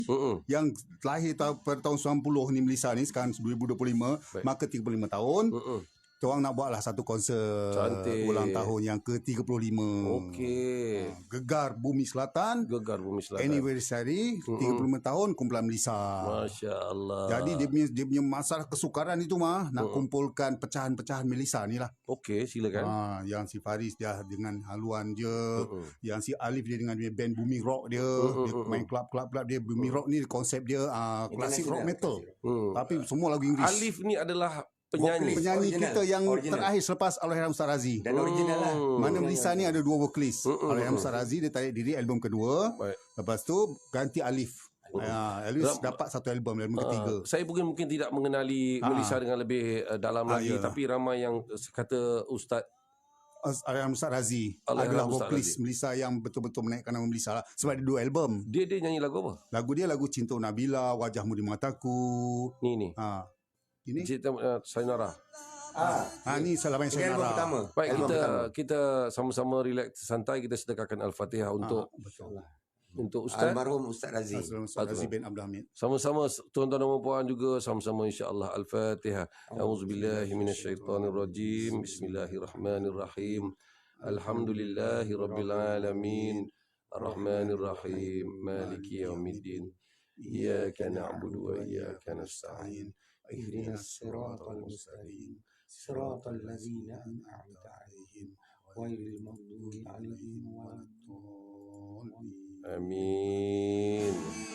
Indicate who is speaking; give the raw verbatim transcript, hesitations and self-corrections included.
Speaker 1: Mm-mm.
Speaker 2: yang lahir ta- pada tahun sembilan puluh ni Melissa ni, sekarang dua ribu dua puluh lima,
Speaker 1: Baik.
Speaker 2: maka tiga puluh lima tahun.
Speaker 1: Mm-mm.
Speaker 2: Kita orang nak buatlah satu konsert
Speaker 1: Cantik.
Speaker 2: ulang tahun yang ke tiga puluh lima.
Speaker 1: Okey.
Speaker 2: Ha, Gegar Bumi Selatan,
Speaker 1: Gegar Bumi Selatan.
Speaker 2: anniversary tiga puluh lima tahun kumpulan Melissa.
Speaker 1: Masya Allah.
Speaker 2: Jadi dia punya, dia punya masalah kesukaran itu mah nak
Speaker 1: Mm-mm.
Speaker 2: kumpulkan pecahan-pecahan Melissa ni lah.
Speaker 1: Okey, silakan.
Speaker 2: Ha, yang si Faris dia dengan haluan dia,
Speaker 1: Mm-mm.
Speaker 2: yang si Alif dia dengan dia band Bumi Rock dia,
Speaker 1: Mm-mm,
Speaker 2: dia
Speaker 1: mm-mm.
Speaker 2: main club-club dia. Bumi Rock ni konsep dia uh, klasik rock metal,
Speaker 1: Hmm.
Speaker 2: tapi semua lagu Inggeris.
Speaker 1: Alif ni adalah penyanyi.
Speaker 2: Penyanyi
Speaker 3: Original.
Speaker 2: kita yang
Speaker 3: Original.
Speaker 2: terakhir selepas Allahyarham Ustaz Razi.
Speaker 3: Dan original lah.
Speaker 1: Hmm.
Speaker 2: Mana Melissa ni ada dua vokalis.
Speaker 1: Mm-mm,
Speaker 2: Allahyarham
Speaker 1: mm-mm.
Speaker 2: Ustaz Razi dia tarik diri album kedua.
Speaker 1: Baik.
Speaker 2: Lepas tu ganti Alif. Ya, Alif
Speaker 1: Ram-
Speaker 2: dapat satu album, album
Speaker 1: Ah,
Speaker 2: ketiga.
Speaker 1: saya mungkin mungkin tidak mengenali
Speaker 2: Ah.
Speaker 1: Melissa dengan lebih uh, dalam
Speaker 2: Ah,
Speaker 1: lagi,
Speaker 2: ya.
Speaker 1: tapi ramai yang uh, kata Ustaz
Speaker 2: Allahyarham Ustaz Razi
Speaker 1: Allahyarham
Speaker 2: adalah
Speaker 1: Ustaz
Speaker 2: vokalis
Speaker 1: Razi.
Speaker 2: Melissa yang betul-betul menaikkan nama Melissa lah. Sebab ada dua album.
Speaker 1: dia dia nyanyi lagu apa?
Speaker 2: Lagu dia lagu Cinta Nabila, Wajahmu di Mataku.
Speaker 1: Ni ni.
Speaker 2: Ha. Ini
Speaker 1: Cerita uh, Sayonara.
Speaker 3: Ah,
Speaker 2: ha, ni Salam Yang
Speaker 3: ini album
Speaker 2: Sayonara.
Speaker 3: pertama.
Speaker 1: Baik,
Speaker 3: Album
Speaker 1: kita
Speaker 3: pertama.
Speaker 1: kita sama-sama relax santai, kita sedekahkan Al-Fatihah untuk
Speaker 2: Ah, betul.
Speaker 1: untuk Ustaz.
Speaker 3: Almarhum Ustaz Razi.
Speaker 2: Assalamualaikum Ustaz Razi bin Abdul Hamid.
Speaker 1: Sama-sama tuan-tuan dan puan juga sama-sama insya-Allah Al-Fatihah. A'udzubillahi minasyaitonirrajim. Bismillahirrahmanirrahim. Alhamdulillahirabbil alamin. Arrahmanirrahim. Maliki yaumiddin. Iyyaka na'budu wa iyyaka nasta'in.
Speaker 2: Ihdinas siratal mustaqim. Siratal ladzina an'amta 'alaihim ghairil maghdubi 'alaihim waladdallin.
Speaker 1: Amin.